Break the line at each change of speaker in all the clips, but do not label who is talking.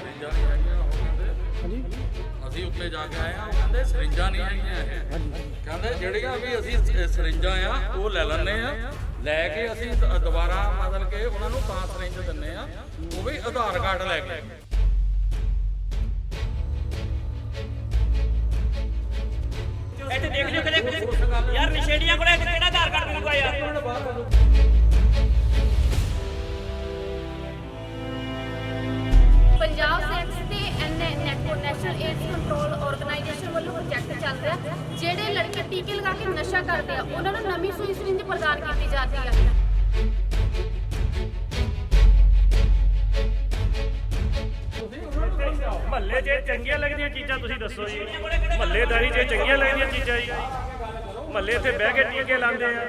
ਸਰਿੰਜਾਂ ਨਹੀਂ ਹੈਗੀਆਂ ਉਹ ਕਹਿੰਦੇ ਅਸੀਂ ਉੱਤੇ ਜਾ ਕੇ ਆਏ ਆ ਉਹ ਕਹਿੰਦੇ ਸਰਿੰਜਾਂ ਨਹੀਂ ਹੈਗੀਆਂ ਇਹ ਕਹਿੰਦੇ ਜਿਹੜੀਆਂ ਵੀ ਅਸੀਂ ਸਰਿੰਜਾਂ ਆ ਉਹ ਲੈ ਲੈਂਦੇ ਆ ਲੈ ਕੇ ਅਸੀਂ ਦੁਬਾਰਾ ਮਤਲਬ ਕਿ ਉਹਨਾਂ ਨੂੰ ਤਾਂ ਸਰਿੰਜ ਦਿੰਦੇ ਆ ਉਹ ਵੀ ਆਧਾਰ ਕਾਰਡ ਲੈ ਕੇ
ਇੱਥੇ ਦੇਖ ਲਿਓ ਕਿਤੇ ਯਾਰ ਨਸ਼ੇੜੀਆਂ ਕੋਲੇ ਕਿਹੜਾ ਆਧਾਰ ਕਾਰਡ ਮਿਲੂਗਾ ਯਾਰ
ਪੰਜਾਬ ਸੈਕਸ ਤੇ ਨੈਸ਼ਨਲ ਏਡਸ ਕੰਟਰੋਲ ਆਰਗੇਨਾਈਜੇਸ਼ਨ ਵੱਲੋਂ ਪ੍ਰੋਜੈਕਟ ਚੱਲ ਰਿਹਾ ਜਿਹੜੇ ਲੜਕੇ ਟੀਕੇ ਲਗਾ ਕੇ ਨਸ਼ਾ ਕਰਦੇ ਆ ਉਹਨਾਂ ਨੂੰ ਨਵੀਂ ਸੂਈ ਸਰਿੰਜ ਪ੍ਰਦਾਨ ਕੀਤੀ ਜਾਂਦੀ ਹੈ।
ਮਹੱਲੇ 'ਚ ਚੰਗੀਆਂ ਲੱਗਦੀਆਂ ਚੀਜ਼ਾਂ ਤੁਸੀਂ ਦੱਸੋ ਜੀ ਮਹੱਲੇਦਾਰੀ 'ਚ ਚੰਗੀਆਂ ਲੱਗਦੀਆਂ ਚੀਜ਼ਾਂ ਜੀ ਮਹੱਲੇ ਇੱਥੇ ਬਹਿ ਕੇ ਟੀਕੇ ਲਾਉਂਦੇ ਆ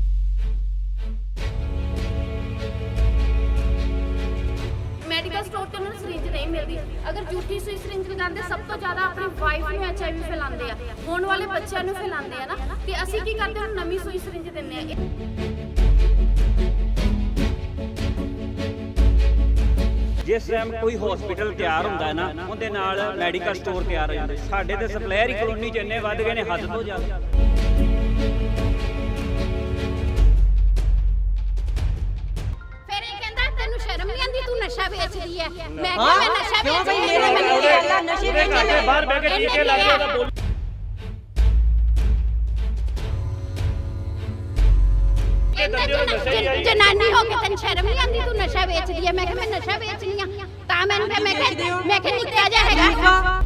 ਮੈਡੀਕਲ ਸਟੋਰ ਤੇ ਉਹਨਾਂ ਨੂੰ ਸਰਿੰਜ ਨਹੀਂ ਮਿਲਦੀ ਅਗਰ ਝੂਠੀ ਸੂਈ ਸਰਿੰਜ ਲਗਾਉਂਦੇ ਸਭ ਤੋਂ ਜ਼ਿਆਦਾ ਆਪਣੀ ਵਾਈਫ ਨੂੰ HIV ਫੈਲਾਉਂਦੇ ਆ ਹੋਣ ਵਾਲੇ ਬੱਚਿਆਂ ਨੂੰ ਫੈਲਾਉਂਦੇ ਆ ਨਾ ਤੇ ਅਸੀਂ ਕੀ ਕਰਦੇ ਹਾਂ ਨਵੀਂ ਸੂਈ ਸਰਿੰਜ ਦਿੰਦੇ ਆ।
ਜਿਸ ਟਾਈਮ ਕੋਈ ਹਸਪੀਟਲ ਤਿਆਰ ਹੁੰਦਾ ਹੈ ਨਾ ਉਹਦੇ ਨਾਲ ਮੈਡੀਕਲ ਸਟੋਰ ਤਿਆਰ ਹੋ ਜਾਂਦੇ ਸਾਡੇ ਤੇ ਸਪਲਾਇਰ ਹੀ ਕਲੋਨੀ 'ਚ ਇੰਨੇ ਵੱਧ ਗਏ ਨੇ ਹੱਦ ਤੋਂ ਜ਼ਿਆਦਾ।
ਫਿਰ ਇਹ ਕਹਿੰਦਾ ਤੈਨੂੰ ਸ਼ਰਮ ਨਹੀਂ ਆਉਂਦੀ ਤੂੰ ਨਸ਼ਾ ਵੇਚਦੀ ਹੈ ਮੈਂ ਕਿਹਾ ਮੈਂ ਨਸ਼ਾ ਵੇਚਦੀ ਹਾਂ
ਨਸ਼ੇ ਵੇਚਦੇ ਬਾਹਰ ਬਹਿ ਕੇ ਟੀਕੇ ਲਾਉਂਦੇ ਉਹਦਾ ਬੋਲ
ਜਨਾਨੀ ਹੋ ਕੇ ਤੈਨੂੰ ਸ਼ਰਮ ਨਹੀਂ ਆਉਂਦੀ ਤੂੰ ਨਸ਼ਾ ਵੇਚਦੀ ਹੈ ਮੈਂ ਕਿਹਾ ਮੈਂ ਨਸ਼ਾ ਵੇਚਦੀ ਆ ਤਾਂ ਮੈਨੂੰ ਮੈਂ ਕਿਹਾ ਨਿੱਕਾ ਜਿਹਾ ਹੈਗਾ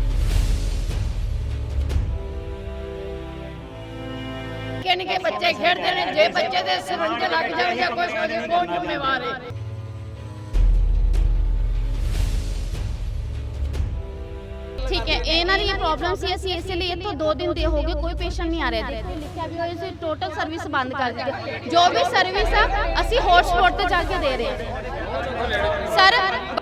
ਨਿੱਕੇ ਬੱਚੇ ਖੇਡਦੇ ਨੇ ਜੇ ਬੱਚੇ ਦੇ ਸਿਰੰਜ ਲੱਗ ਜਾਣ ਜਾਂ ਕੁਝ ਹੋ ਜਾਏ ਕੌਣ ਜ਼ਿੰਮੇਵਾਰ ਹੈ।
ਠੀਕ ਹੈ ਇਹਨਾਂ ਦੀ ਪ੍ਰੋਬਲਮ ਸੀ ਅਸੀਂ ਇਸੇ ਲਈ ਇੱਥੋਂ 2 ਦਿਨ ਦੇ ਹੋ ਗਏ ਕੋਈ ਪੇਸ਼ੈਂਟ ਨਹੀਂ ਆ ਰਿਹਾ ਸੀ ਲਿਖਿਆ ਵੀ ਹੋਇਆ ਸੀ ਟੋਟਲ ਸਰਵਿਸ ਬੰਦ ਕਰ ਦਿੱਤੀ ਜੋ ਵੀ ਸਰਵਿਸ ਆ ਅਸੀਂ ਹੌਟਸਪੌਟ ਤੇ ਜਾ ਕੇ ਦੇ ਰਹੇ ਹਾਂ ਸਰ।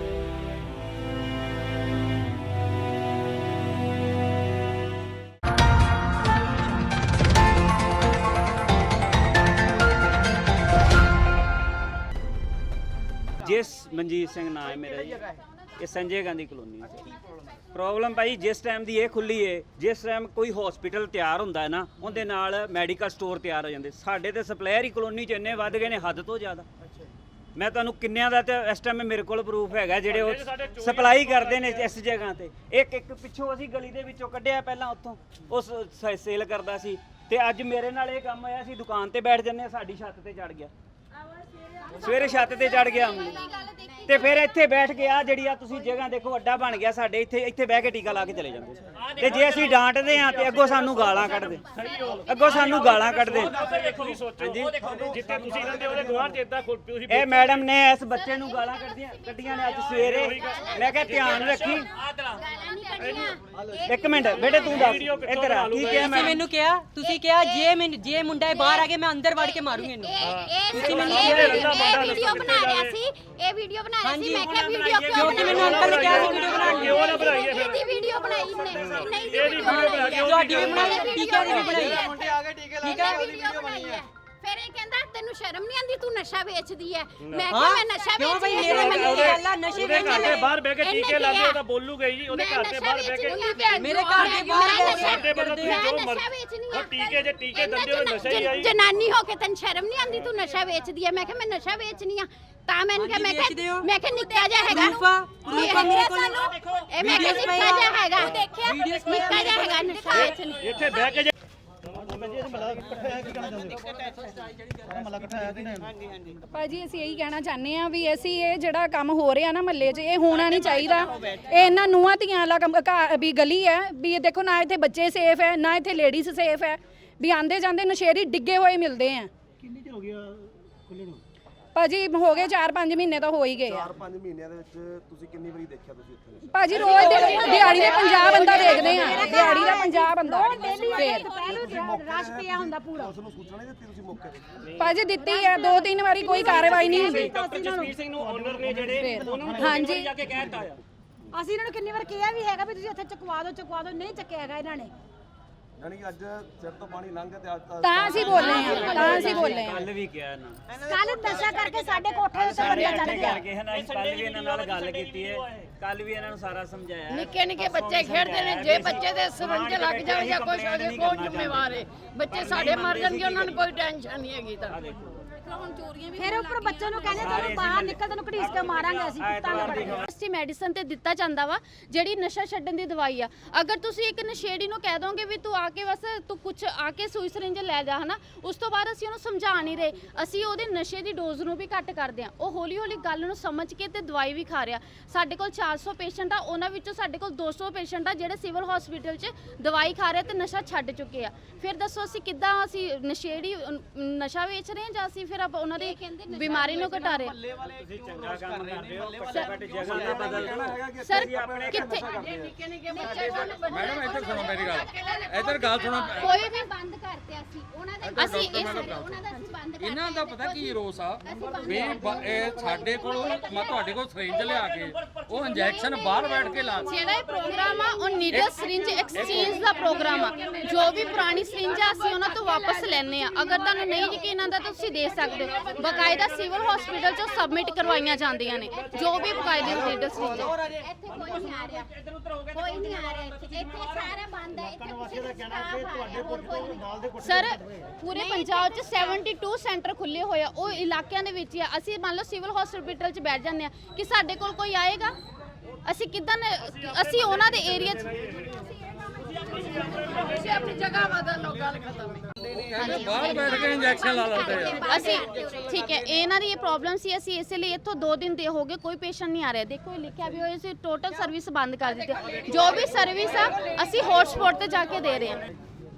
ਜਿਸ ਮਨਜੀਤ ਸਿੰਘ ਨਾਮ ਹੈ ਮੇਰਾ ਜੀ ਇਹ ਸੰਜੇ ਗਾਂਧੀ ਕਲੋਨੀ ਪ੍ਰੋਬਲਮ ਭਾਈ ਜਿਸ ਟਾਈਮ ਦੀ ਇਹ ਖੁੱਲੀ ਏ ਜਿਸ ਟਾਈਮ ਕੋਈ ਹਸਪੀਟਲ ਤਿਆਰ ਹੁੰਦਾ ਹੈ ਨਾ ਉਹਦੇ ਨਾਲ ਮੈਡੀਕਲ ਸਟੋਰ ਤਿਆਰ ਹੋ ਜਾਂਦੇ ਸਾਡੇ ਤੇ ਸਪਲਾਇਰ ਹੀ ਕਲੋਨੀ 'ਚ ਇੰਨੇ ਵੱਧ ਗਏ ਨੇ ਹੱਦ ਤੋਂ ਜ਼ਿਆਦਾ। ਮੈਂ ਤੁਹਾਨੂੰ ਕਿੰਨਿਆਂ ਦਾ ਤੇ ਇਸ ਟਾਈਮ ਮੇਰੇ ਕੋਲ ਪ੍ਰੂਫ ਹੈਗਾ ਜਿਹੜੇ ਉਹ ਸਪਲਾਈ ਕਰਦੇ ਨੇ ਇਸ ਜਗ੍ਹਾ ਤੇ ਇੱਕ ਪਿੱਛੋਂ ਅਸੀਂ ਗਲੀ ਦੇ ਵਿੱਚੋਂ ਕੱਢਿਆ ਪਹਿਲਾਂ ਉੱਥੋਂ ਉਸ ਸੇਲ ਕਰਦਾ ਸੀ ਤੇ ਅੱਜ ਮੇਰੇ ਨਾਲ ਇਹ ਕੰਮ ਹੋਇਆ ਸੀ ਦੁਕਾਨ ਤੇ ਬੈਠ ਜੰਨੇ ਸਾਡੀ ਛੱਤ ਤੇ ਚੜ ਗਿਆ ਸਵੇਰੇ ਛੱਤ ਤੇ ਚੜ ਗਿਆ ਤੇ ਫਿਰ ਇੱਥੇ ਬੈਠ ਕੇ ਆ ਜਿਹੜੀ ਆ ਤੁਸੀਂ ਜਗ੍ਹਾ ਦੇਖੋ ਅੱਡਾ ਬਣ ਗਿਆ ਸਾਡੇ ਇੱਥੇ ਬਹਿ ਕੇ ਟੀਕਾ ਲਾ ਕੇ ਚਲੇ ਜਾਂਦੇ ਤੇ ਜੇ ਅਸੀਂ ਡਾਂਟਦੇ ਆ ਤੇ ਅੱਗੋਂ ਸਾਨੂੰ ਗਾਲਾਂ ਕੱਢਦੇ
ਜਿੱਥੇ ਤੁਸੀਂ ਰਹਿੰਦੇ ਉਹਦੇ ਗੁਆਂਢ 'ਚ ਇਦਾਂ ਤੁਸੀਂ
ਇਹ ਮੈਡਮ ਨੇ ਇਸ ਬੱਚੇ ਨੂੰ ਗਾਲਾਂ ਕੱਢੀਆਂ ਨੇ ਅੱਜ ਸਵੇਰੇ ਮੈਂ ਕਿਹਾ ਧਿਆਨ ਰੱਖੀ ਇੱਕ ਮਿੰਟ ਬੇਟੇ ਤੂੰ ਦੱਸ ਇੱਧਰ ਆ ਕੀ ਕਿਹਾ ਮੈਂ
ਮੈਨੂੰ ਕਿਹਾ ਤੁਸੀਂ ਕਿਹਾ ਜੇ ਮੁੰਡਾ ਬਾਹਰ ਆ ਕੇ ਮੈਂ ਅੰਦਰ ਵੜ ਕੇ ਮਾਰੂੰਗੀ ਇਹਨੂੰ
ਤੁਸੀਂ ਮੈਨੂੰ ਇਹ ਵੀਡੀਓ ਬਣਾ ਰਿਹਾ ਸੀ ਮੈਂ ਕਿਹਾ ਵੀਡੀਓ ਕਿਉਂ
ਮੈਨੂੰ ਅੰਕਲ ਨੇ ਕਿਹਾ ਸੀ ਵੀਡੀਓ ਬਣਾਉਣੀ
ਕਿਉਂ ਨਾ ਬਣਾਈਏ ਫਿਰ
ਇਹਦੀ ਵੀਡੀਓ ਬਣਾਈ ਨੇ ਨਹੀਂ
ਇਹਦੀ ਵੀਡੀਓ ਬਣਾ ਕੇ
ਤੁਹਾਡੀ ਵੀ ਬਣਾਈ ਟੀਕਾ ਦੀ ਵੀ ਬਣਾਈ
ਠੀਕ ਹੈ ਵੀਡੀਓ ਬਣਾਈ ਹੈ ਫਿਰ ਇਹ ਕਹਿੰਦਾ ਤੈਨੂੰ ਸ਼ਰਮ ਨਹੀਂ ਆਉਂਦੀ ਤੂੰ ਨਸ਼ਾ ਵੇਚਦੀ ਹੈ ਮੈਂ ਕਿਹਾ ਮੈਂ ਨਸ਼ਾ ਵੇਚਦੀ ਹਾਂ
ਮੈਨੂੰ ਗੱਲਾਂ ਨਸ਼ੇ
ਉਹਦੇ ਘਰ ਦੇ ਬਾਹਰ ਬਹਿ ਕੇ ਟੀਕੇ ਲਾਉਂਦੇ ਉਹਦਾ ਬੋਲੂਗਾ ਜੀ ਉਹਦੇ ਘਰ ਦੇ ਬਾਹਰ ਬਹਿ ਕੇ
ਮੇਰੇ ਘਰ ਦੇ ਬਾਹਰ
ਸਾਡੇ ਵੱਲੋਂ ਤੁਸੀਂ ਜੋ ਮਰਜ਼ੀ ਉਹ ਟੀਕੇ ਦਿੰਦੇ ਹੋ ਨਸ਼ਾ ਹੀ ਆਈ
ਜਨਾਨੀ ਹੋ ਕੇ ਤੈਨੂੰ ਸ਼ਰਮ ਨਹੀਂ ਆਉਂਦੀ ਤੂੰ ਨਸ਼ਾ ਵੇਚਦੀ ਹੈ ਮੈਂ ਕਿਹਾ ਮੈਂ ਨਸ਼ਾ ਵੇਚਣੀ ਆ ਤਾਂ ਮੈਂ ਕਿਹਾ ਨਿੱਕਾ ਜਿਹਾ ਹੈਗਾ
ਰੂਪਾ ਮੇਰੇ ਕੋਲ
ਇਹ ਮੈਂ ਕਿਹਾ ਨਿੱਕਾ ਜਿਹਾ ਹੈਗਾ ਨਿੱਕਾ ਜਿਹਾ ਹੈਗਾ ਨਸ਼ਾ ਵੇਚਣੀ
ਇੱਥੇ ਬਹਿ ਕੇ
ਭਾਜੀ ਅਸੀਂ ਇਹੀ ਕਹਿਣਾ ਚਾਹੁੰਦੇ ਆ ਵੀ ਅਸੀਂ ਇਹ ਜਿਹੜਾ ਕੰਮ ਹੋ ਰਿਹਾ ਨਾ ਮਹੱਲੇ 'ਚ ਇਹ ਹੋਣਾ ਨਹੀਂ ਚਾਹੀਦਾ। ਇਹ ਇਹਨਾਂ ਨੂੰਹਾਂ ਧੀਆਂ ਵਾਲਾ ਵੀ ਗਲੀ ਹੈ ਵੀ ਇਹ ਦੇਖੋ ਨਾ ਇੱਥੇ ਬੱਚੇ ਸੇਫ ਹੈ ਨਾ ਇੱਥੇ ਲੇਡੀਜ਼ ਸੇਫ ਹੈ ਵੀ ਆਂਦੇ ਜਾਂਦੇ ਨਸ਼ੇੜੀ ਡਿੱਗੇ ਹੋਏ ਮਿਲਦੇ ਆ।
ਕਿੰਨੀ ਚਿਰ ਹੋ ਗਿਆ ਖੁੱਲੇ ਨੂੰ?
ਭਾਜੀ ਹੋ ਗਏ 4-5 ਮਹੀਨੇ ਤਾਂ ਹੋ ਹੀ ਗਏ ਆ।
4-5 ਮਹੀਨਿਆਂ ਦੇ ਵਿੱਚ ਤੁਸੀਂ ਕਿੰਨੀ ਵਾਰੀ ਦੇਖਿਆ ਤੁਸੀਂ ਇੱਥੇ?
ਭਾਜੀ ਰੋਜ਼ ਦਿਹਾੜੀ ਦਾ 50 ਬੰਦਾ ਦੇਖਦੇ ਆ ਦਿਹਾੜੀ ਦਾ 50 ਬੰਦਾ ਫੇਰ
ਰਸ਼ ਪਿਆ ਹੁੰਦਾ ਪੂਰਾ
ਉਸ ਨੂੰ ਸੂਚਨਾ ਨਹੀਂ ਦਿੱਤੀ ਤੁਸੀਂ ਮੌਕੇ ਤੇ?
ਭਾਜੀ ਦਿੱਤੀ ਹੈ 2-3 ਵਾਰੀ ਕੋਈ ਕਾਰਵਾਈ ਨਹੀਂ ਹੁੰਦੀ।
ਜਸਵੀਰ ਸਿੰਘ ਨੂੰ ਓਨਰ ਨੇ ਜਿਹੜੇ ਉਹਨਾਂ ਨੂੰ
ਹਾਂਜੀ
ਜਾ ਕੇ ਕਹਿਤਾ ਆ
ਅਸੀਂ ਇਹਨਾਂ ਨੂੰ ਕਿੰਨੀ ਵਾਰ ਕਿਹਾ ਵੀ ਹੈਗਾ ਵੀ ਤੁਸੀਂ ਇੱਥੇ ਚੁਕਵਾ ਦਿਓ ਨਹੀਂ ਚੱਕਿਆ ਹੈਗਾ ਇਹਨਾਂ ਨੇ
ਯਾਨੀ ਕਿ ਅੱਜ ਸਿਰ ਤੋਂ ਪਾਣੀ ਲੰਘ ਗਿਆ ਤੇ ਅੱਜ
ਤਾਂ ਅਸੀਂ ਬੋਲੇ ਆ, ਤਾਂ ਅਸੀਂ ਬੋਲੇ ਆ।
ਕੱਲ ਵੀ ਕਿਹਾ ਨਾ
ਕੱਲ ਨਸ਼ਾ ਕਰਕੇ ਸਾਡੇ ਕੋਠੇ ਉੱਤੇ ਬੰਦਾ ਚੜ ਗਿਆ।
ਕਰਕੇ ਹੈ ਨਾ ਕੱਲ ਵੀ ਇਹਨਾਂ ਨਾਲ ਗੱਲ ਕੀਤੀ ਹੈ, ਕੱਲ ਵੀ ਇਹਨਾਂ ਨੂੰ ਸਾਰਾ ਸਮਝਾਇਆ।
ਨਿੱਕੇ ਨਿੱਕੇ ਬੱਚੇ ਖੇਡਦੇ ਨੇ, ਜੇ ਬੱਚੇ ਦੇ ਸਿਰੰਜ ਲੱਗ ਜਾਣ ਜਾਂ ਕੁਝ ਹੋ ਜਾਏ ਕੌਣ ਜ਼ਿੰਮੇਵਾਰ ਹੈ? ਬੱਚੇ ਸਾਡੇ ਮਰ ਜਾਣਗੇ, ਉਹਨਾਂ ਨੂੰ ਕੋਈ ਟੈਨਸ਼ਨ ਨਹੀਂ ਹੈਗੀ ਤਾਂ।
ਫਿਰ ਉੱਪਰ ਬੱਚੇ ਨੂੰ ਕਹਿੰਦੇ ਤੈਨੂੰ ਬਾਹਰ ਨਿਕਲ, ਤੈਨੂੰ ਘੜੀਸ ਕੇ ਮਾਰਾਂਗੇ ਅਸੀਂ, ਕੁੱਤਾਂ ਮੈਡੀਸਨ ਤੇ ਦਿੱਤਾ ਜਾਂਦਾ ਵਾ ਜਿਹੜੀ ਨਸ਼ਾ ਛੱਡਣ ਦੀ ਦਵਾਈ ਆ। ਅਗਰ ਤੁਸੀਂ ਇੱਕ ਨਸ਼ੇੜੀ ਨੂੰ ਕਹਿ ਦੋਗੇ ਵੀ ਤੂੰ ਆ ਕੇ ਬਸ ਤੂੰ ਕੁਝ ਆ ਕੇ ਸੂਈ ਸਰਿੰਜ ਲੈ ਜਾ ਹਨਾ, ਉਸ ਤੋਂ ਬਾਅਦ ਅਸੀਂ ਉਹਨੂੰ ਸਮਝਾ ਨਹੀਂ ਰਹੇ, ਅਸੀਂ ਉਹਦੇ ਨਸ਼ੇ ਦੀ ਡੋਜ਼ ਨੂੰ ਵੀ ਘੱਟ ਕਰਦੇ ਆ। ਉਹ ਹੌਲੀ ਹੌਲੀ ਗੱਲ ਨੂੰ ਸਮਝ ਕੇ ਤੇ ਦਵਾਈ ਵੀ ਖਾ ਰਿਹਾ। ਸਾਡੇ ਕੋਲ 400 ਪੇਸ਼ੈਂਟ ਆ, ਉਹਨਾਂ ਵਿੱਚੋਂ ਸਾਡੇ ਕੋਲ 200 ਪੇਸ਼ੈਂਟ ਆ ਜਿਹੜੇ ਸਿਵਲ ਹਸਪੀਟਲ 'ਚ ਦਵਾਈ ਖਾ ਰਹੇ ਤੇ ਨਸ਼ਾ ਛੱਡ ਚੁੱਕੇ ਆ। ਫਿਰ ਦੱਸੋ ਅਸੀਂ ਕਿੱਦਾਂ ਅਸੀਂ ਨਸ਼ੇੜੀ ਨਸ਼ਾ ਵੇਚ ਰਹੇ ਹਾਂ ਜਾਂ ਅਸੀਂ ਫਿਰ ਆਪਾਂ ਉਹਨਾਂ ਦੀ ਬਿਮਾਰੀ ਨੂੰ ਘਟਾ ਰਹੇ
ਤੁਸੀਂ ਚੰਗਾ ਕੰਮ ਕਰਦੇ ਹੋ, ਘੱਟੋ ਘੱਟ ਜਗ੍ਹਾ ਤੇ ਬਦਲ ਦਿਓ।
ਸਰ ਕਿੱਥੇ
ਨਿੱਕੇ ਨਿੱਕੇ ਬੱਚੇ
ਮੈਡਮ ਇੱਧਰ ਸੁਣੋ ਮੇਰੀ ਗੱਲ, ਇੱਧਰ ਗੱਲ ਸੁਣੋ।
ਕੋਈ ਵੀ ਬੰਦ ਕਰਤੇ ਅਸੀਂ ਉਹਨਾਂ ਦੇ ਅਸੀਂ ਉਹਨਾਂ ਦਾ ਅਸੀਂ ਬੰਦ ਕਰ
ਇਹਨਾਂ ਦਾ ਪਤਾ ਕੀ ਰੋਸ ਆ ਵੀ ਇਹ ਸਾਡੇ ਕੋਲ ਮੈਂ ਤੁਹਾਡੇ ਕੋਲ ਸਰਿੰਜ ਲਿਆ ਕੇ ਉਹ ਇੰਜੈਕਸ਼ਨ ਬਾਹਰ ਬੈਠ ਕੇ ਲਾ
ਜਿਹੜਾ ਇਹ ਪ੍ਰੋਗਰਾਮ ਆ ਉਹ ਨੀਡਲ ਸਰਿੰਜ ਐਕਸਚੇਂਜ ਦਾ ਪ੍ਰੋਗਰਾਮ ਆ। ਜੋ ਵੀ ਪੁਰਾਣੀ ਸਰਿੰਜ ਆ ਅਸੀਂ ਉਹਨਾਂ ਤੋਂ ਵਾਪਸ ਲੈਣੇ ਆ। ਅਗਰ ਤੁਹਾਨੂੰ ਨਹੀਂ ਯਕੀਨ ਆਉਂਦਾ ਤਾਂ ਤੁਸੀਂ ਦੇ ਸਕਦੇ ਹੋ। ਬਕਾਇਦਾ ਸਿਵਲ ਹਸਪੀਟਲ 'ਚੋਂ ਸਬਮਿਟ ਕਰਵਾਈਆਂ ਜਾਂਦੀਆਂ ਨੇ ਜੋ ਵੀ ਬਕਾਇਦੇ ਨੀਡਲ ਸਰਿੰਜ।
ਇੱਥੇ ਕੋਈ ਨਹੀਂ ਆ ਰਿਹਾ, ਕੋਈ ਨਹੀਂ ਆ ਰਿਹਾ ਇੱਥੇ ਸਾਰਾ ਬੰਦ ਹੈ। ਇੱਥੇ ਕਿਸੇ ਦਾ ਕਹਿਣਾ ਕਿ ਤੁਹਾਡੇ ਕੋਲ
ਸਰ ਪੂਰੇ ਪੰਜਾਬ 'ਚ 72 ਸੈਂਟਰ ਖੁੱਲੇ ਹੋਏ ਆ, ਉਹ ਇਲਾਕਿਆਂ ਦੇ ਵਿੱਚ ਹੀ ਆ। ਅਸੀਂ ਮੰਨ ਲਓ ਸਿਵਲ ਹਸਪੀਟਲ 'ਚ ਬੈਠ ਜਾਂਦੇ ਆ ਕਿ ਸਾਡੇ ਕੋਲ ਕੋਈ ਆਏਗਾ, ਅਸੀਂ ਕਿੱਦਾਂ ਅਸੀਂ ਉਹਨਾਂ ਦੇ ਏਰੀਆ 'ਚ
ਤੁਸੀਂ ਆਪਣੀ ਜਗ੍ਹਾ ਬਦਲ ਲਓ, ਗੱਲ ਖਤਮ ਹੈ।
ਬਾਹਰ ਬੈਠ ਕੇ ਇੰਜੈਕਸ਼ਨ ਲਾ ਲੈਂਦੇ ਆ।
ਅਸੀਂ ਠੀਕ ਹੈ, ਇਹਨਾਂ ਦੀ ਇਹ ਪ੍ਰੋਬਲਮ ਸੀ। ਅਸੀਂ ਇਸੇ ਲਈ ਇੱਥੋਂ 2 ਦਿਨ ਦੇ ਹੋ ਗਏ ਕੋਈ ਪੇਸ਼ੈਂਟ ਨਹੀਂ ਆ ਰਿਹਾ। ਦੇਖੋ ਇਹ ਲਿਖਿਆ ਵੀ ਹੋਇਆ ਸੀ ਟੋਟਲ ਸਰਵਿਸ ਬੰਦ ਕਰ ਦਿੱਤੀ। ਜੋ ਵੀ ਸਰਵਿਸ ਆ ਅਸੀਂ ਹੌਟਸਪੌਟ ਤੇ ਜਾ ਕੇ ਦੇ ਰਹੇ ਹਾਂ।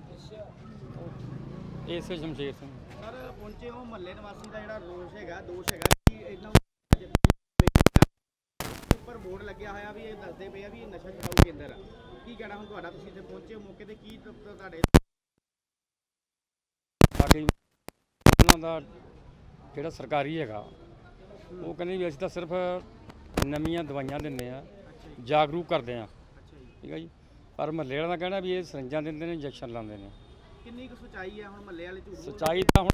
ਇਸੇ ਸ਼ਮਸ਼ੇਰ ਸਿੰਘ
ਸਰ ਪਹੁੰਚੇ ਹੋ ਮਹੱਲੇ ਨਿਵਾਸੀ ਦਾ ਜਿਹੜਾ ਰੋਸ ਹੈਗਾ, ਦੋਸ਼ ਹੈਗਾ ਕਿ ਇਹਨਾਂ ਉੱਪਰ ਬੋਰਡ ਲੱਗਿਆ ਹੋਇਆ ਵੀ ਇਹ ਦੱਸਦੇ ਪਏ ਆ ਵੀ ਇਹ ਨਸ਼ਾ ਛਡਾਊ ਕੇਂਦਰ ਆ। ਕੀ ਕਹਿਣਾ ਹੁਣ ਤੁਹਾਡਾ? ਤੁਸੀਂ ਇੱਥੇ ਪਹੁੰਚੇ ਹੋ ਮੌਕੇ ਤੇ, ਕੀ ਤੁਹਾਡੇ
ਬਾਕੀ ਉਹਨਾਂ ਦਾ ਜਿਹੜਾ ਸਰਕਾਰੀ ਹੈਗਾ ਉਹ ਕਹਿੰਦੇ ਵੀ ਅਸੀਂ ਤਾਂ ਸਿਰਫ ਨਵੀਆਂ ਦਵਾਈਆਂ ਦਿੰਦੇ ਆ, ਜਾਗਰੂਕ ਕਰਦੇ ਆ, ਠੀਕ ਹੈ ਜੀ। ਪਰ ਮਹੱਲੇ ਵਾਲਿਆਂ ਦਾ ਕਹਿਣਾ ਵੀ ਇਹ ਸਰਿੰਜਾਂ ਦਿੰਦੇ ਨੇ, ਇੰਜੈਕਸ਼ਨ ਲਾਉਂਦੇ ਨੇ।
ਕਿੰਨੀ ਕੁ ਸੱਚਾਈ ਹੈ? ਹੁਣ ਮਹੱਲੇ ਵਾਲੇ ਝੂਠ ਬੋਲ
ਸੱਚਾਈ ਤਾਂ ਹੁਣ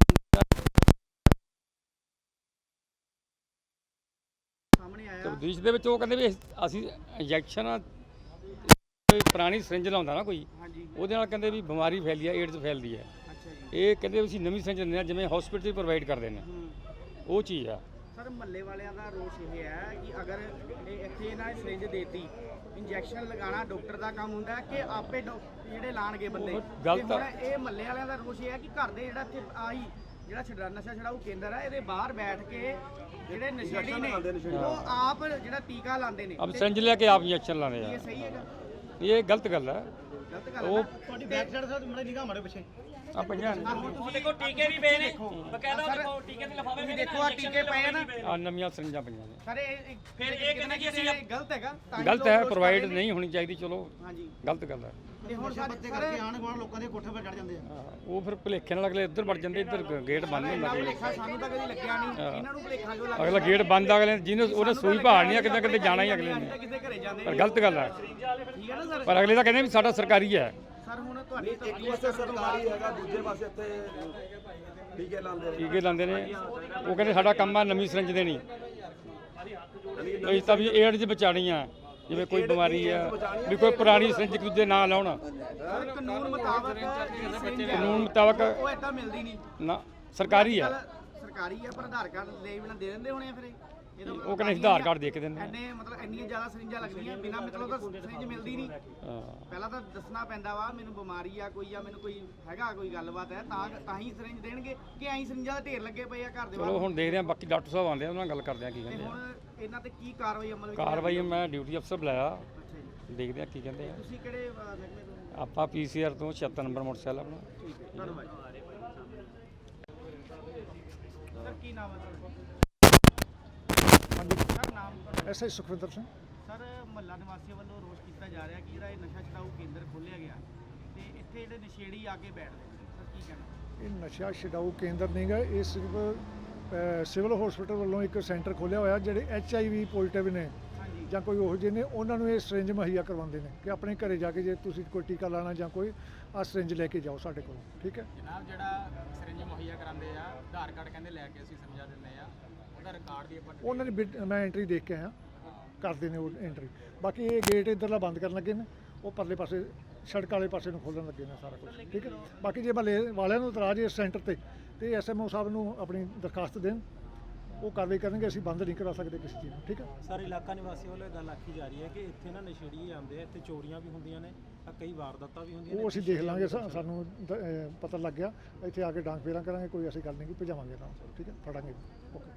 ਸਾਹਮਣੇ ਆਇਆ।
ਤਬਦੀਸ਼ ਦੇ ਵਿੱਚ ਉਹ ਕਹਿੰਦੇ ਵੀ ਅਸੀਂ ਇੰਜੈਕਸ਼ਨ ਪੁਰਾਣੀ ਸਰਿੰਜ ਲਾਉਂਦਾ ਨਾ ਕੋਈ,
ਹਾਂਜੀ,
ਉਹਦੇ ਨਾਲ ਕਹਿੰਦੇ ਵੀ ਬਿਮਾਰੀ ਫੈਲਦੀ ਹੈ, ਏਡਜ਼ ਫੈਲਦੀ ਹੈ।
ਅੱਛਾ ਜੀ।
ਇਹ ਕਹਿੰਦੇ ਵੀ ਅਸੀਂ ਨਵੀਂ ਸਰਿੰਜ ਦਿੰਦੇ ਆ ਜਿਵੇਂ ਹਸਪੀਟਲ ਪ੍ਰੋਵਾਈਡ ਕਰਦੇ ਨੇ, ਉਹ ਚੀਜ਼ ਆ।
ਸਰ ਮਹੱਲੇ ਵਾਲਿਆਂ ਦਾ ਰੋਸ ਇਹ ਹੈ ਕਿ ਅਗਰ ਇਹ ਇੱਥੇ ਇਹਨਾਂ ਨੇ ਸਰਿੰਜ ਦੇਤੀ, ਇੰਜੈਕਸ਼ਨ ਲਗਾਉਣਾ ਡਾਕਟਰ ਦਾ ਕੰਮ ਹੁੰਦਾ ਹੈ ਕਿ ਆਪੇ ਜਿਹੜੇ ਲਾਣਗੇ ਬੰਦੇ।
ਉਹ ਗਲਤ
ਤੇ ਹੁਣ ਇਹ ਮਹੱਲੇ ਵਾਲਿਆਂ ਦਾ ਰੋਸ ਇਹ ਹੈ ਕਿ ਘਰ ਦੇ ਜਿਹੜਾ ਇੱਥੇ ਆਹੀ ਜਿਹੜਾ ਨਸ਼ਾ ਛਡਾਊ ਕੇਂਦਰ ਹੈ ਇਹਦੇ ਬਾਹਰ ਬੈਠ ਕੇ ਜਿਹੜੇ ਨਸ਼ੇੜੀ ਨੇ ਉਹ ਆਪ ਜਿਹੜਾ ਟੀਕਾ ਲਾਉਂਦੇ ਨੇ।
ਅਬ ਸਰਿੰਜ ਲੈ ਕੇ ਆਪ ਇੰਜੈਕਸ਼ਨ ਲਾਉਂਦੇ
ਇਹ
ਆ,
ਸਹੀ ਹੈਗਾ?
ਇਹ ਗਲਤ ਗੱਲ ਹੈ।
ਗਲਤ ਗੱਲ
ਉਹ
ਤੁਹਾਡੀ ਬੈਕ ਸਾਈਡ ਸਰ ਮੜੇ ਨਿਗਾਹ ਮਾਰੇ ਪਿੱਛੇ
ਆ ਪਈਆਂ
ਉਹ ਦੇਖੋ ਟੀਕੇ ਵੀ ਪਏ ਨੇ, ਬਕਾਇਦਾ ਉਹ ਦੇਖੋ ਟੀਕੇ ਦੇ ਲਿਫਾਫੇ ਵੀ
ਦੇਖੋ ਆ ਟੀਕੇ ਪਏ ਆ ਨਾ
ਆ ਨਵੀਆਂ ਸਰਿੰਜਾਂ ਪਈਆਂ ਨੇ।
ਸਰ ਇਹ
ਫਿਰ ਇਹ ਕਹਿੰਦੇ ਕਿ ਅਸੀਂ
ਗਲਤ ਹੈਗਾ, ਤਾਂ ਹੀ
ਗਲਤ
ਲੋਕ
ਹੈ,
ਰੋਸ
ਪ੍ਰੋਵਾਈਡ
ਕਰ ਰਹੇ ਨੇ।
ਨਹੀਂ ਹੋਣੀ ਚਾਹੀਦੀ। ਚਲੋ
ਹਾਂਜੀ,
ਗਲਤ ਗੱਲ ਹੈ।
ਤੇ ਹੁਣ ਸਾਡੇ ਕਰਕੇ ਆਣ ਗਵਾਣ ਲੋਕਾਂ ਦੇ ਕੋਠੇ 'ਤੇ ਚੜ ਜਾਂਦੇ ਆ।
ਹਾਂ, ਉਹ ਫਿਰ ਭੁਲੇਖੇ ਨਾਲ ਅਗਲੇ ਇੱਧਰ ਵੜ ਜਾਂਦੇ, ਇੱਧਰ ਗੇਟ ਬੰਦ ਹੁੰਦਾ ਕੋਈ।
ਭੁਲੇਖਾ ਸਾਨੂੰ ਤਾਂ ਕਦੀ ਲੱਗਿਆ ਨਹੀਂ, ਇਹਨਾਂ ਨੂੰ ਭੁਲੇਖਾ ਕਿਉਂ ਲੱਗਦਾ?
ਅਗਲਾ ਗੇਟ ਬੰਦ ਅਗਲੇ ਜਿਹਨੇ ਉਹਨੇ ਸੂਈ ਭਾਲਣੀ ਆ, ਕਿਤੇ ਕਿਤੇ ਜਾਣਾ ਹੀ ਅਗਲੇ ਨੇ।
ਕਿਸੇ ਘਰੇ ਜਾਂਦੇ
ਪਰ ਗਲਤ ਗੱਲ ਹੈ।
ਠੀਕ ਹੈ ਨਾ ਸਰ?
ਪਰ ਅਗਲੇ ਤਾਂ ਕਹਿੰਦੇ ਵੀ ਸਾਡਾ ਸਰਕਾਰੀ ਹੈ।
ਸਰ ਹੁਣ ਤੁਹਾਡੀ ਇੱਕ ਪਾਸੇ ਸਰਕਾਰੀ ਹੈਗਾ, ਦੂਜੇ ਪਾਸੇ ਇੱਥੇ ਟੀਕੇ ਲਾਉਂਦੇ ਨੇ।
ਟੀਕੇ ਲਾਉਂਦੇ ਨੇ, ਉਹ ਕਹਿੰਦੇ ਸਾਡਾ ਕੰਮ ਆ ਨਵੀਂ ਸਰਿੰਜ ਦੇਣੀ। ਅਸੀਂ ਤਾਂ ਵੀ ਏਡਜ਼ ਬਚਾਣੀ ਆ, ਜਿਵੇਂ ਕੋਈ ਬਿਮਾਰੀ ਆ ਵੀ ਕੋਈ ਪੁਰਾਣੀ ਸਰਿੰਜ ਇੱਕ ਦੂਜੇ ਨਾਂ ਲਾਉਣ।
ਸਰ ਕਾਨੂੰਨ ਮੁਤਾਬਕ
ਕਾਨੂੰਨ ਮੁਤਾਬਕ
ਉਹ ਏਦਾਂ ਮਿਲਦੀ ਨਹੀਂ।
ਨਾ ਸਰਕਾਰੀ ਆ,
ਸਰਕਾਰੀ ਹੈ ਪਰ ਆਧਾਰ ਕਾਰਡ ਦੇ ਬਿਨਾਂ ਦੇ ਦਿੰਦੇ ਹੋਣੇ ਆ ਫਿਰ ਇਹ। ਇਹਦਾ
ਉਹ ਕਹਿੰਦੇ ਅਸੀਂ ਆਧਾਰ ਕਾਰਡ ਦੇ ਕੇ ਦਿੰਦੇ
ਇੰਨੇ ਮਤਲਬ ਇੰਨੀਆਂ ਜ਼ਿਆਦਾ ਸਰਿੰਜਾਂ ਲੱਗਦੀਆਂ ਬਿਨਾਂ ਮਤਲਬ ਤਾਂ ਸਰਿੰਜ ਮਿਲਦੀ ਨਹੀਂ।
ਹਾਂ।
ਪਹਿਲਾਂ ਤਾਂ ਦੱਸਣਾ ਪੈਂਦਾ ਵਾ ਮੈਨੂੰ ਬਿਮਾਰੀ ਆ ਕੋਈ ਜਾਂ ਮੈਨੂੰ ਕੋਈ ਹੈਗਾ ਕੋਈ ਗੱਲਬਾਤ ਹੈ ਤਾਂ ਹੀ ਸਰਿੰਜ ਦੇਣਗੇ ਕਿ ਐਂ ਸਰਿੰਜਾਂ ਦੇ ਢੇਰ ਲੱਗੇ ਪਏ ਆ ਘਰ ਦੇ ਬਾਹਰ।
ਚਲੋ ਹੁਣ ਦੇਖਦੇ ਆ, ਬਾਕੀ ਡਾਕਟਰ ਸਾਹਿਬ ਆਉਂਦੇ ਆ, ਉਹਨਾਂ ਨਾਲ ਗੱਲ ਕਰਦੇ ਆ ਕੀ
ਤੇ
ਕਹਿੰਦੇ ਆ।
ਹੁਣ ਇਹਨਾਂ ਤੇ ਕੀ ਕਾਰਵਾਈ ਅਮਲ ਵਿੱਚ
ਕਾਰਵਾਈ ਮੈਂ ਡਿਊਟੀ ਅਫਸਰ ਬੁਲਾਇਆ,
ਅੱਛਾ ਜੀ।
ਦੇਖਦੇ ਆ ਕੀ ਕਹਿੰਦੇ ਆ।
ਤੁਸੀਂ ਕਿਹੜੇ ਮਹਿਕਮੇ ਤੋਂ?
ਆਪਾਂ ਪੀਸੀਆਰ ਤੋਂ 76 ਨੰਬਰ ਮੋਟਰਸਾਈਕਲ ਆਪਣਾ।
ਠੀਕ ਹੈ, ਧੰਨਵਾਦ। ਸਰ ਕੀ ਨਾਮ ਹੈ ਤੁਹਾਡਾ? ਸਰ ਨਾਮ ਤੁਹਾਡਾ?
ਐਸਆਈ ਸੁਖਵਿੰਦਰ ਸਿੰਘ।
ਸਰ ਮਹੱਲਾ ਨਿਵਾਸੀਆਂ ਵੱਲੋਂ ਰੋਸ ਕੀਤਾ ਜਾ ਰਿਹਾ ਕਿ ਜਿਹੜਾ ਇਹ ਨਸ਼ਾ ਛਡਾਊ ਕੇਂਦਰ ਖੋਲ੍ਹਿਆ ਗਿਆ ਤੇ ਇੱਥੇ ਜਿਹੜੇ ਨਸ਼ੇੜੀ ਆ ਕੇ ਬੈਠਦੇ ਨੇ, ਸਰ ਕੀ ਕਹਿਣਾ?
ਇਹ ਨਸ਼ਾ ਛਡਾਊ ਕੇਂਦਰ ਨਹੀਂ ਗਾ, ਇਹ ਸਿਰਫ ਸਿਵਲ ਹਸਪੀਟਲ ਵੱਲੋਂ ਇੱਕ ਸੈਂਟਰ ਖੋਲ੍ਹਿਆ ਹੋਇਆ ਜਿਹੜੇ HIV ਪੋਜ਼ਿਟਿਵ ਨੇ,
ਹਾਂਜੀ,
ਜਾਂ ਕੋਈ ਉਹੋ ਜਿਹੇ ਨੇ ਉਹਨਾਂ ਨੂੰ ਇਹ ਸਿਰਿੰਜ ਮੁਹੱਈਆ ਕਰਵਾਉਂਦੇ ਨੇ ਕਿ ਆਪਣੇ ਘਰੇ ਜਾ ਕੇ ਜੇ ਤੁਸੀਂ ਕੋਈ ਟੀਕਾ ਲਾਣਾ ਜਾਂ ਕੋਈ ਆ ਸਿਰਿੰਜ ਲੈ ਕੇ ਜਾਓ ਸਾਡੇ ਕੋਲ, ਠੀਕ ਹੈ।
ਜਨਾਬ ਜਿਹੜਾ ਸਰਿੰਜ ਮੁਹੱਈਆ ਕਰਾਉਂਦੇ ਆ ਆਧਾਰ ਕਾਰਡ ਕਹਿੰਦੇ ਲੈ ਕੇ ਅਸੀਂ ਸਮਝਾ ਦਿੰਦੇ ਆ, ਉਹਦਾ ਰਿਕਾਰਡ ਵੀ ਆਪਾਂ
ਉਹਨਾਂ ਦੀ ਮੈਂ ਐਂਟਰੀ ਦੇਖ ਕੇ ਆਇਆ, ਕਰਦੇ ਨੇ ਉਹ ਐਂਟਰੀ। ਬਾਕੀ ਇਹ ਗੇਟ ਇੱਧਰਲਾ ਬੰਦ ਕਰਨ ਲੱਗੇ ਨੇ, ਉਹ ਪਰਲੇ ਪਾਸੇ ਸੜਕ ਵਾਲੇ ਪਾਸੇ ਨੂੰ ਖੋਲ੍ਹਣ ਲੱਗੇ ਨੇ ਸਾਰਾ ਕੁਝ, ਠੀਕ ਹੈ। ਬਾਕੀ ਜੇ ਮਹੱਲੇ ਵਾਲਿਆਂ ਨੂੰ ਇਤਰਾਜ਼ ਇਸ ਸੈਂਟਰ ਤੇ ਐਸਐਮਓ ਸਾਹਿਬ ਨੂੰ ਆਪਣੀ ਦਰਖਾਸਤ ਦੇਣ, ਉਹ ਕਾਰਵਾਈ ਕਰਨਗੇ। ਅਸੀਂ ਬੰਦ ਨਹੀਂ ਕਰਾ ਸਕਦੇ ਕਿਸੇ ਚੀਜ਼ ਨੂੰ, ਠੀਕ ਹੈ।
ਸਰ ਇਲਾਕਾ ਨਿਵਾਸੀਆਂ ਵੱਲੋਂ ਇਹ ਗੱਲ ਆਖੀ ਜਾ ਰਹੀ ਹੈ ਕਿ ਇੱਥੇ ਨਾ ਨਸ਼ੇੜੀ ਆਉਂਦੇ ਆ, ਇੱਥੇ ਚੋਰੀਆਂ ਵੀ ਹੁੰਦੀਆਂ ਨੇ, ਕਈ ਵਾਰਦਾਤਾਂ ਵੀ ਹੁੰਦੀਆਂ ਨੇ।
ਉਹ ਅਸੀਂ ਦੇਖ ਲਾਂਗੇ, ਸਾਨੂੰ ਪਤਾ ਲੱਗ ਗਿਆ, ਇੱਥੇ ਆ ਕੇ ਡਾਂਗ ਫੇਰਾਂ ਕਰਾਂਗੇ, ਕੋਈ ਐਸੀ ਗੱਲ ਨਹੀਂ ਕਿ ਭਜਾਵਾਂਗੇ ਨਾਲ, ਠੀਕ ਹੈ, ਫੜਾਂਗੇ। ਓਕੇ।